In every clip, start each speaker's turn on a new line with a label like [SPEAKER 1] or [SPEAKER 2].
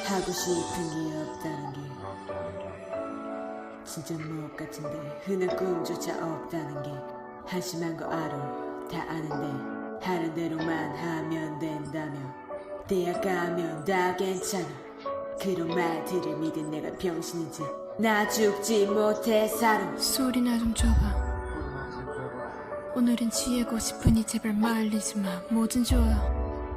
[SPEAKER 1] 하고 싶은 게 없다는 게 진짜 무엇 같은데 흔한 꿈조차 없다는 게 한심한 거 알아 다 아는데 하는 대로만 하면 된다며 대학 가면 다 괜찮아 그런 말들을 믿은 내가 병신인지 나 죽지 못해 살아
[SPEAKER 2] 소리나 좀 줘봐. 오늘은 취하고 싶으니 제발 말리지 마. 뭐든 좋아.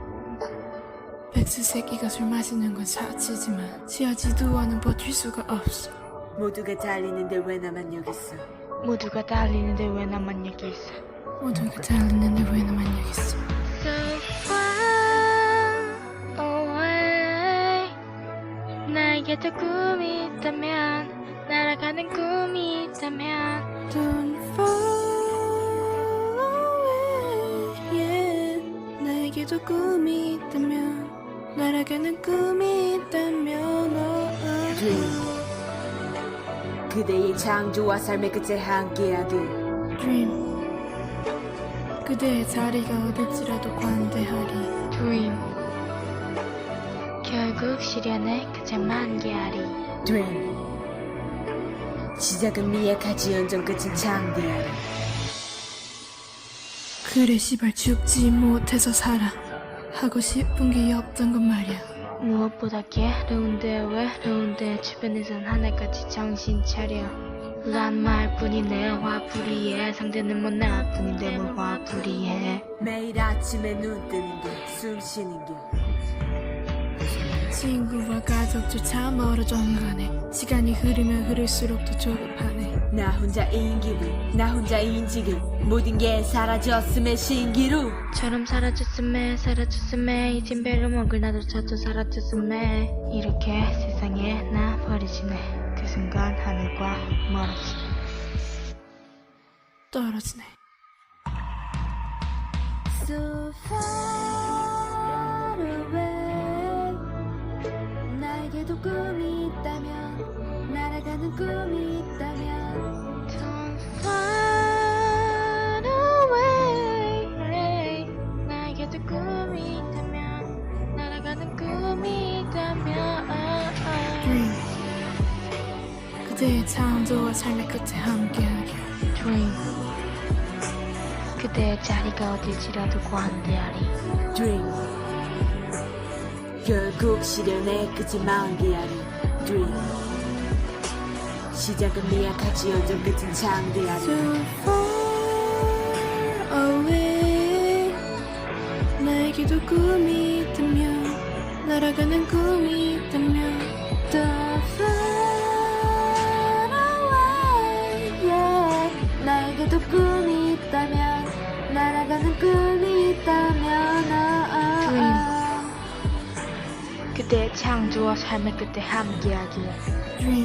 [SPEAKER 2] 백수 새끼가 술 마시는 건 사치지만 취하지도 않은 버틸 수가 없어.
[SPEAKER 1] 모두가 달리는데 왜 나만 여기 있어
[SPEAKER 3] 모두가 달리는데 왜 나만 여기 있어.
[SPEAKER 2] 모두가 달리는데 왜 나만 여기 있어.
[SPEAKER 3] So far away. 나에게도 꿈이 있다면 날아가는 꿈이 있다면
[SPEAKER 2] Don't fall away. Yeah. 나에게도 꿈이 있다면 날아가는 꿈이 있다면
[SPEAKER 1] Dream 그대의 창조와 삶의 끝에 함께하길
[SPEAKER 2] Dream. 그대의 자리가 어딜지라도 관대하리.
[SPEAKER 3] Dream. 결국 시련의 끝에 만개하리.
[SPEAKER 1] Dream 시작은 미약하지언정 끝은 창대하리
[SPEAKER 2] 그래 시발 죽지 못해서 살아. 하고 싶은 게 없던 건 말이야.
[SPEAKER 3] 무엇보다 괴로운데 외로운데 주변에선 하나같이 정신 차려 란 말뿐이네 화풀이해 상대는 뭐 나뿐인데 뭘 화풀이해
[SPEAKER 1] 매일 아침에 눈 뜨는 게 숨 쉬는 게
[SPEAKER 2] 친구와 가족조차 멀어져는 가네. 시간이 흐르면 흐를수록 더 조급하네.
[SPEAKER 1] 나 혼자인 기분 나 혼자인 지금 모든 게 사라졌음에 신기루
[SPEAKER 3] 처럼 사라졌음에 이젠 배를 먹을 나조차도 사라졌음에 이렇게 세상에 나 버리지네 그 순간 하늘과 멀어지네
[SPEAKER 2] 떨어지네.
[SPEAKER 4] So far away. 나에게도 꿈이 있다면 날아가는 꿈이 있다면
[SPEAKER 3] Don't far away. 나에게도 꿈이 있다면 날아가는 꿈이 있다면
[SPEAKER 2] Dream. 그대의 창조와 삶의 끝에 함께하길.
[SPEAKER 3] Dream. 그대의 자리가 어딜지라도 관대하리.
[SPEAKER 1] Dream 결국 시련의 끝이 만개하리 Dream 시작은 미약하지언정 끝은 창대하리
[SPEAKER 2] So far away. 나에게도 꿈이 있다면 날아가는 꿈이 있다면
[SPEAKER 4] The far away. Yeah. 나에게도 꿈이 있다면 날아가는 꿈이 있다면
[SPEAKER 3] 그대의 창조와 삶의 끝에 함께하길.
[SPEAKER 2] Dream.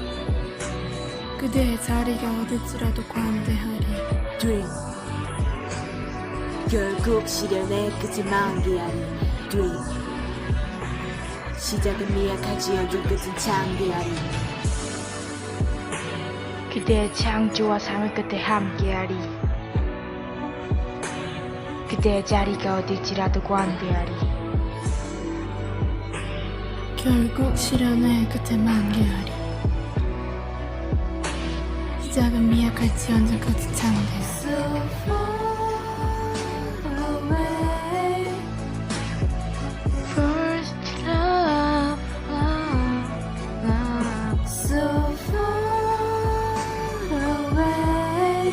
[SPEAKER 2] 그대의 자리가 어딜지라도 관대하리.
[SPEAKER 1] Dream 결국 시련의 끝이 만개하리 Dream 시작은 미약하지언정 끝은 창대하리
[SPEAKER 3] 그대의 창조와 삶의 끝에 함께하리. 그대의 자리가 어딜지라도 관대하리.
[SPEAKER 2] 결국 시련의 끝에 만개하리. 시작은 미약할지언정 끝은 창대.
[SPEAKER 4] So far away.
[SPEAKER 3] First love, love, love.
[SPEAKER 4] So far away.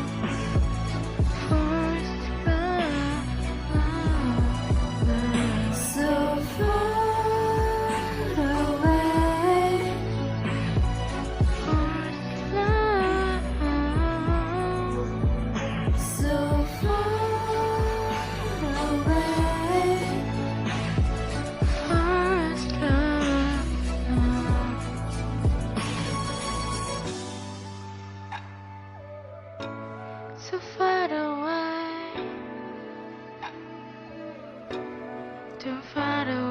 [SPEAKER 3] First love, love, love.
[SPEAKER 4] So far away.
[SPEAKER 3] First love.
[SPEAKER 4] So far away.
[SPEAKER 3] First love. So far away. Too far away.